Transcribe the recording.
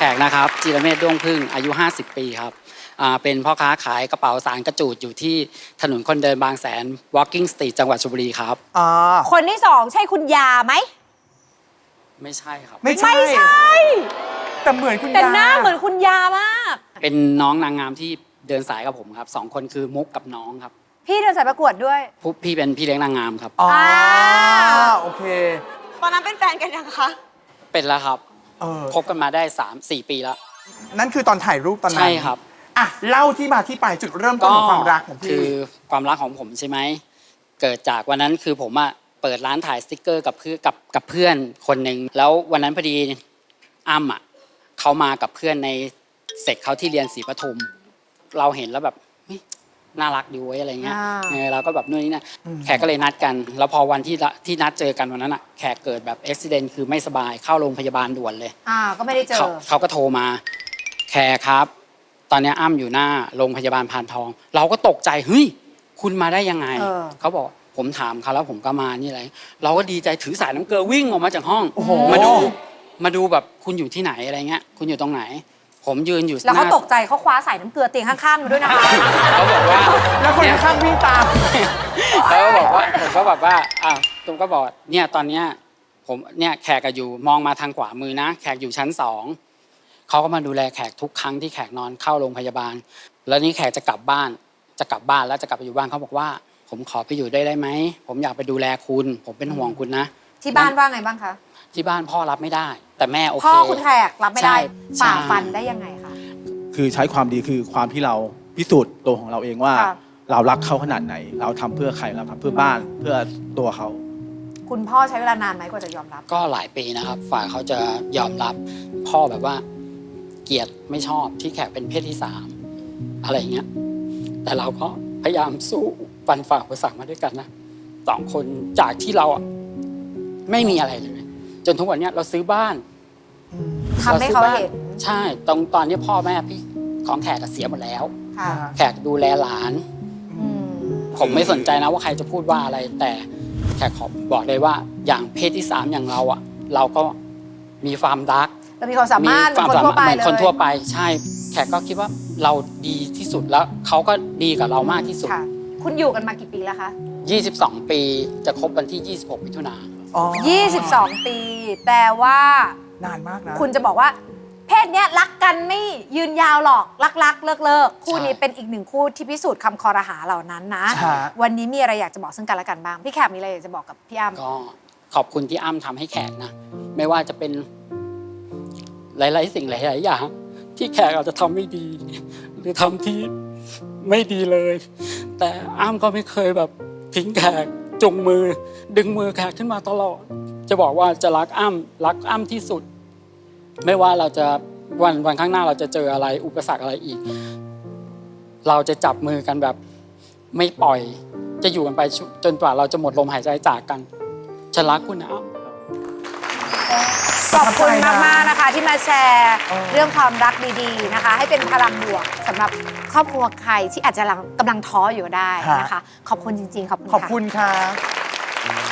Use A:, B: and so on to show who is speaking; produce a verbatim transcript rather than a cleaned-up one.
A: กนะครับจิรเมธด้วงพึ่งอายุห้าสิบปีครับอ่าเป็นพ่อค้าขายกระเป๋าสารกระจูดอยู่ที่ถนนคนเดินบางแสน Walking Street จังหวัดชลบุรีครับ
B: อ่า
C: คนที่สองใช่คุณยาไหม
A: ไม่ใช่ครับ
B: ไม่ใช่
C: ไม่ใช่
B: แต่เหมือนคุณยา
C: แต่หน้าเหมือนคุณยามาก
A: เป็นน้องนางงามที่เดินสายกับผมครับสองคนคือมุกกับน้องครับ
C: พี่เดินสายประกวดด้วย
A: พี่เป็นพี่เลี้ยงนางงามครับ
B: อ๋อโอเค
C: ตอนนั้นเป็นแฟนกันยังคะ
A: เป็นแล้วครับ
B: เออ
A: คบกันมาได้ สามสี่ ปีแล้ว
B: นั่นคือตอนถ่ายรูปตอนนั้น
A: ใช่ครับ
B: อ่ะเล่าที่มาที่ไปจุดเริ่มต้นของความรักของพี่
A: คือความรักของผมใช่ไหมเกิดจากวันนั้นคือผมอะเปิดร้านถ่ายสติ๊กเกอร์กับเพื่อนกับกับเพื่อนคนหนึ่งแล้ววันนั้นพอดีอ้ำอะเขามากับเพื่อนในเซกเขาที่เรียนศรีปทุมเราเห็นแล้วแบบน่ารักดีเว้ยอะไรเงี้ยเราก็แบบนู่นนี่นั่นแขกก็เลยนัดกันแล้วพอวันที่ที่นัดเจอกันวันนั้นอะแขกเกิดแบบอุบัติเหตุคือไม่สบายเข้าโรงพยาบาลด่วนเลย
C: อ่าก็ไม่ได้เจอ
A: เขาก็โทรมาแขกครับตอนนี้อ้ำอยู่หน้าโรงพยาบาลพานทองเราก็ตกใจเฮ้ยคุณมาได้ยังไงเขาบอกผมถามเขาแล้วผมก็มานี่อะไรเราก็ดีใจถือสายน้ำเกลือวิ่งออกมาจากห้องมาดูมาดูแบบคุณอยู่ที่ไหนอะไรเงี้ยคุณอยู่ตรงไหนผมยืนอยู่
C: แล้วเขาตกใจเขาคว้าสายน้ำเกลือเตียงข้างๆอยู่ด้วยนะคะ
A: เขาบอกว่า
B: แล้วคนข้างวิ่งตาม
A: เขาบอกว่าผมก็แบบว่าอ่ะตุ้มก็บอกเนี่ยตอนเนี้ยผมเนี่ยแขกอยู่มองมาทางขวามือนะแขกอยู่ชั้นสองเขาก็มาดูแลแขกทุกครั้งที่แขกนอนเข้าโรงพยาบาลแล้วนี่แขกจะกลับบ้านจะกลับบ้านแล้วจะกลับไปอยู่บ้านเขาบอกว่าผมขอไปอยู่ได้ได้ไหมผมอยากไปดูแลคุณผมเป็นห่วงคุณนะ
C: ที่บ้านว่าไงบ้างคะ
A: ที่บ้านพ่อรับไม่ได้แต่แม่โอเค
C: พ่อคุณแขกรับไม่ได้ฝ่าฟันได้ยังไงคะ
D: คือใช้ความดีคือความที่เราพิสูจน์ตัวของเราเองว่าเรารักเขาขนาดไหนเราทำเพื่อใครเราทำเพื่อบ้านเพื่อตัวเขา
C: คุณพ่อใช้เวลานานไหมกว่าจะยอมรับ
A: ก็หลายปีนะครับฝ่ายเขาจะยอมรับพ่อแบบว่าเกลียดไม่ชอบที่แขกเป็นเพศที่สามอะไรเงี้ยแต่เราก็พยายามสู้ฟันฝ่าอุปสรรคมาด้วยกันนะสองคนจากที่เราอ่ะไม่มีอะไรเลยจนทุกวันนี้เราซื้อบ้าน
C: ทำให้เขาเห็น
A: ใช่ตอนตอนนี้พ่อแม่พี่ของแขกเสียหมดแล้วแขกดูแลหลานผมไม่สนใจนะว่าใครจะพูดว่าอะไรแต่แขกขอบอกเลยว่าอย่างเพศที่สามอย่างเราอ่ะเราก็มีความรัก
C: เรามีความสามารถเหมือนคนทั่วไปเลย
A: คนทั่วไปใช่แขกก็คิดว่าเราดีที่สุดแล้วเขาก็ดีกับเรามากที่สุด
C: คุณอยู่กันมากี่ปีแล้วคะ
A: ยี่สิบสองปีจะครบวันที่ยี่สิบหกมิถุนายน
C: ยี่สิบสองปีแปลว่าน
B: านมากนะ
C: คุณจะบอกว่าเพศเนี้ยรักกันไม่ยืนยาวหรอกรักๆเลิกๆคู่นี้เป็นอีกหนึ่งคู่ที่พิสูจน์คำคอรหาเหล่านั้นนะวันนี้มีอะไรอยากจะบอกซึ่งกันและกันบ้างพี่แขกมีอะไรอยากจะบอกกับพี่อ้ำ
A: ก็ขอบคุณที่อ้ำทำให้แขกนะไม่ว่าจะเป็นหลายๆสิ่งหลายๆอย่างที่แขกอาจจะทำไม่ดีหรือทำที่ไม่ดีเลยแต่อ้ำก็ไม่เคยแบบทิ้งแขกจุงมือดึงมือแขกขึ้นมาตลอดจะบอกว่าจะรักอ้ำรักอ้ำที่สุดไม่ว่าเราจะวันวันข้างหน้าเราจะเจออะไรอุปสรรคอะไรอีกเราจะจับมือกันแบบไม่ปล่อยจะอยู่กันไปจนกว่าเราจะหมดลมหายใจจากกันฉันรักคุณนะ
C: ขอบคุณมากๆนะคะที่มาแชร์เรื่องความรักดีๆนะคะให้เป็นพลังบวกสำหรับครอบครัวใครที่อาจจะกำลังท้ออยู่ได้นะคะขอบคุณจริงๆขอบคุณ
B: ขอบคุณค่ะ